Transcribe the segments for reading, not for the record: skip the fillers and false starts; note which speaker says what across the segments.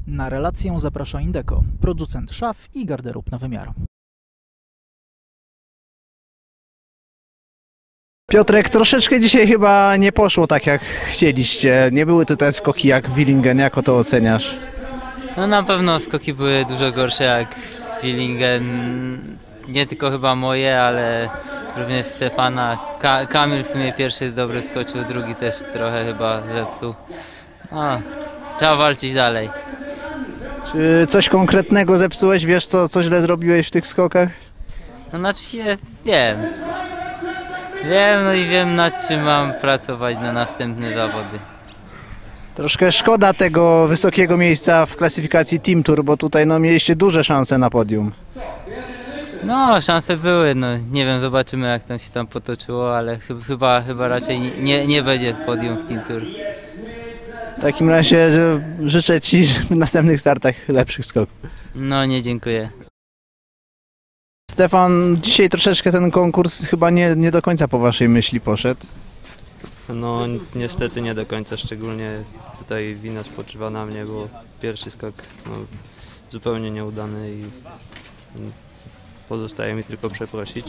Speaker 1: Na relację zaprasza Indeco, producent szaf i garderób na wymiar.
Speaker 2: Piotrek, troszeczkę dzisiaj chyba nie poszło tak jak chcieliście. Nie były to te skoki jak Willingen. Jako to oceniasz?
Speaker 3: No na pewno skoki były dużo gorsze jak Willingen. Nie tylko chyba moje, ale również Stefana. Kamil w sumie pierwszy dobry skoczył, drugi też trochę chyba zepsuł. No, trzeba walczyć dalej.
Speaker 2: Czy coś konkretnego zepsułeś? Wiesz co źle zrobiłeś w tych skokach?
Speaker 3: No znaczy się wiem. No i wiem nad czym mam pracować na następne zawody.
Speaker 2: Troszkę szkoda tego wysokiego miejsca w klasyfikacji Team Tour, bo tutaj mieliście duże szanse na podium.
Speaker 3: No szanse były, no nie wiem, zobaczymy jak tam się potoczyło, ale chyba raczej nie będzie podium w Team Tour.
Speaker 2: W takim razie życzę Ci w następnych startach lepszych skoków.
Speaker 3: No nie, dziękuję.
Speaker 2: Stefan, dzisiaj troszeczkę ten konkurs chyba nie do końca po Waszej myśli poszedł.
Speaker 4: No niestety nie do końca, szczególnie tutaj wina spoczywa na mnie, bo pierwszy skok zupełnie nieudany i pozostaje mi tylko przeprosić.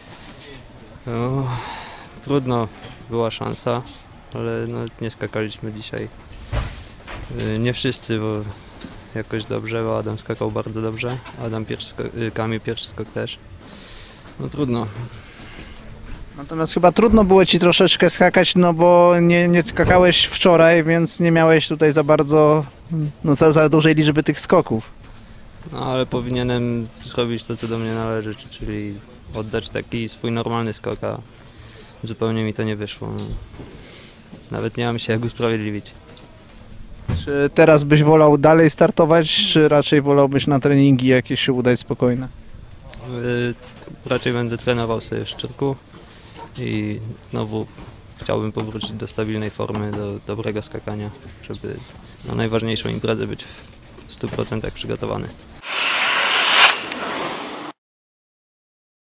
Speaker 4: Trudno, była szansa, ale nie skakaliśmy dzisiaj. Nie wszyscy, bo jakoś dobrze, bo Adam skakał bardzo dobrze, Kamil pierwszy skok też. No trudno.
Speaker 2: Natomiast chyba trudno było Ci troszeczkę skakać, bo nie skakałeś wczoraj, więc nie miałeś tutaj za bardzo, za dużej liczby tych skoków.
Speaker 4: No ale powinienem zrobić to, co do mnie należy, czyli oddać taki swój normalny skok, a zupełnie mi to nie wyszło. Nawet nie mam się jak usprawiedliwić.
Speaker 2: Czy teraz byś wolał dalej startować, czy raczej wolałbyś na treningi jakieś się udać spokojne?
Speaker 4: Raczej będę trenował sobie w Szczyrku i znowu chciałbym powrócić do stabilnej formy, do dobrego skakania, żeby na najważniejszą imprezę być w 100% przygotowany.